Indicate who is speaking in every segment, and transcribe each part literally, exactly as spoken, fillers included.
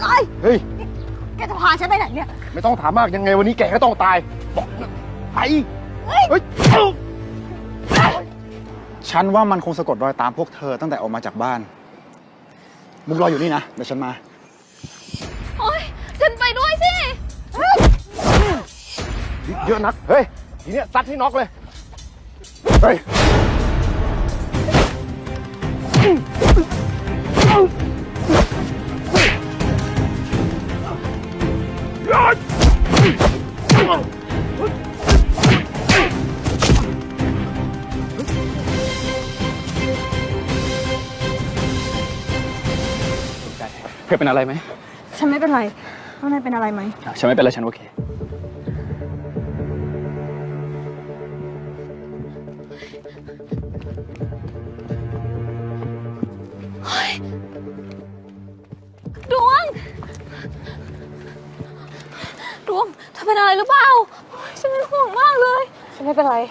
Speaker 1: เฮ้ย
Speaker 2: แกจะพาฉันไปไหนเนี่ย
Speaker 1: ไม่ต้องถามมากยังไงวันนี้แกก็ต้องตายบอกไปเฮ้ย
Speaker 3: ฉันว่ามันคงสะกดรอยตามพวกเธอตั้งแต่ออกมาจากบ้านมุกรออยู่นี่นะเดี๋ยวฉันมา
Speaker 2: โอ๊ยฉันไปด้วยสิ
Speaker 1: เยอะนักเฮ้ยทีเนี้ยซัดให้น็อกเลยเฮ้ย
Speaker 4: เธอเป็นอะไรไหม
Speaker 2: ฉันไม่เป็นไรข้างในเป็นอะไรไหม
Speaker 4: ฉันไม่เป็นไรฉันโอเค
Speaker 2: ดวงดวงเธอเป็นอะไรหรือเปล่าฉันเป็นห่วงมากเลยฉันไม่เป็นไร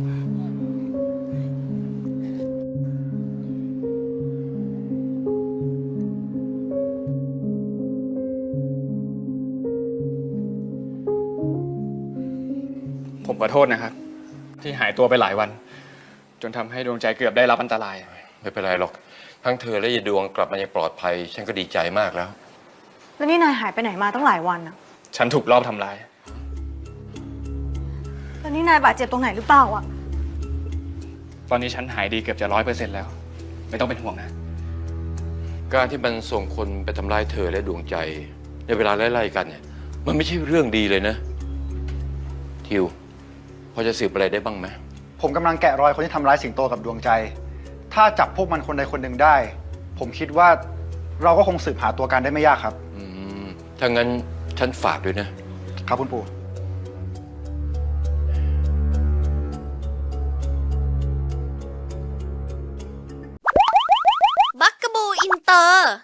Speaker 4: ผมขอโทษนะครับที่หายตัวไปหลายวันจนทำให้ดวงใจเกือบได้รับอันตราย
Speaker 5: ไม่เป็นไรหรอกทั้งเธอและยายดวงกลับมาอย่างปลอดภัยฉันก็ดีใจมากแล้ว
Speaker 2: แล้วนี่นายหายไปไหนมาตั้งหลายวันอะ
Speaker 4: ฉันถูกลอบทำร้าย
Speaker 2: แล้วนี่นายบาดเจ็บตรงไหนหรือเปล่าอะ
Speaker 4: ตอนนี้ฉันหายดีเกือบจะร้อยเปอร์เซ็นต์แล้วไม่ต้องเป็นห่วงนะ
Speaker 5: การที่มันส่งคนไปทำร้ายเธอและดวงใจในเวลาไล่ๆกันเนี่ยมันไม่ใช่เรื่องดีเลยนะทิวพอจะสืบอะไรได้บ้างไหม
Speaker 3: ผมกำลังแกะรอยคนที่ทำร้ายสิงโตกับดวงใจถ้าจับพวกมันคนใดคนหนึ่งได้ผมคิดว่าเราก็คงสืบหาตัวการได้ไม่ยากครับ
Speaker 5: อืมถ้างั้นฉันฝากด้วยนะ
Speaker 3: ครับคุณปู่
Speaker 6: บักกะบูอินเตอร์